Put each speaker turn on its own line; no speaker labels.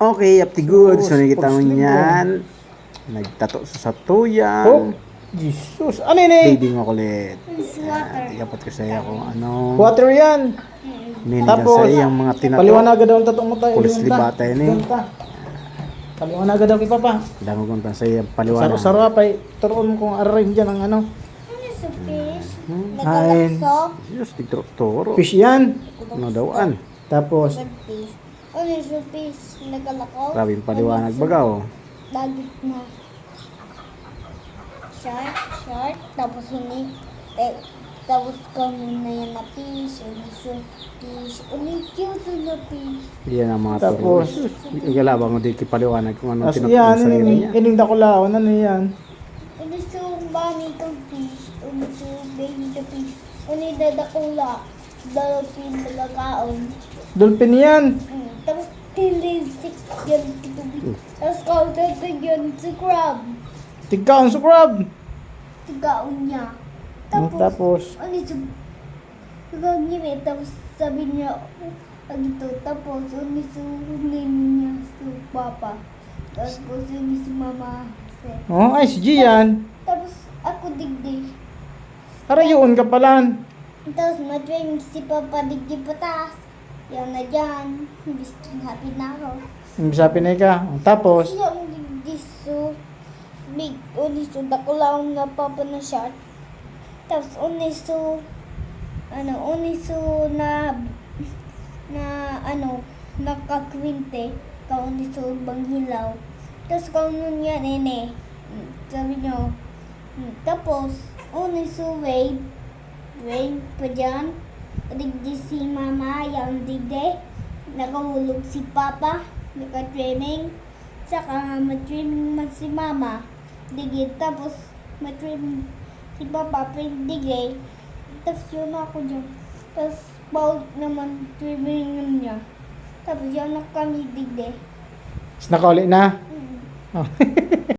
Okay, up the good. So, nakikita mo
Pag-sling
yan. Nagtato sa
Oh,
satuyang.
Jesus. Ano yun eh?
Baby mo kulit.
It's water.
Ikapat ko sa iyo kung ano.
Water yan.
Ninigan
Tapos,
sa iyang mga tinato.
paliwanaga daw ang tatong mo tayo.
Pulis libata yun eh.
Paliwanaga daw kay Papa.
Dami kong sa iyang paliwanag.
Saro-saro apay. Turoon kong ararin dyan ang ano.
Ano sa fish?
Ay.
Nagalakso?
Diyos, tigturo.
Fish yan.
Ano dawaan?
Tapos,
Fish. Ano sa fish? Nagalakaw?
Grabe yung paliwanag bagaw.
Dagit na. Shark. Tapos tapos kami na yan na fish. Ano sa fish? Ano cute na fish?
Yan ang mga
Tapos,
turo. Igalabang mo di kipaliwanag kung ano
as
tinaturo
yan.
sa sarili niya.
Ining dakulaon. Ano yan?
Ano sa bunny kang fish? Ano sa baby ka fish? Ano dadakula? Dalapin malakaon.
Dolphin yan.
Tapos tilisik yan kitubig. Tapos kautatag yan sa crab.
Tigkaon sa crab.
Tigaon niya.
Tapos,
ano sa gagawin? Tapos sabi niya, ito. Tapos ano sa name niya sa papa. Tapos ano sa mama.
oh, ay, si Gian.
Tapos ako digdig.
Arayoon ka pala.
Tapos madring si papa digdig patas. Yan na dyan. Gusto happy na ako.
Sabi na ka. Tapos,
Siya ang digdiso. Big uniso dakulaw nga papa na shot. Tapos uniso na nakakwinte ka uniso banghilaw. Tapos kaunon yan nene. Sabi niyo. Tapos uniso wave pa dyan. Digdi si mama yung digde. Nakahulog si papa. Naka-training. Saka ma-training man si mama. Digid. Tapos ma-training si papa. Digay. Tapos yun ako dyan. Tapos bawal naman training niya. Tapos yun na kami digde.
nakauli na.
Mm.
Oh.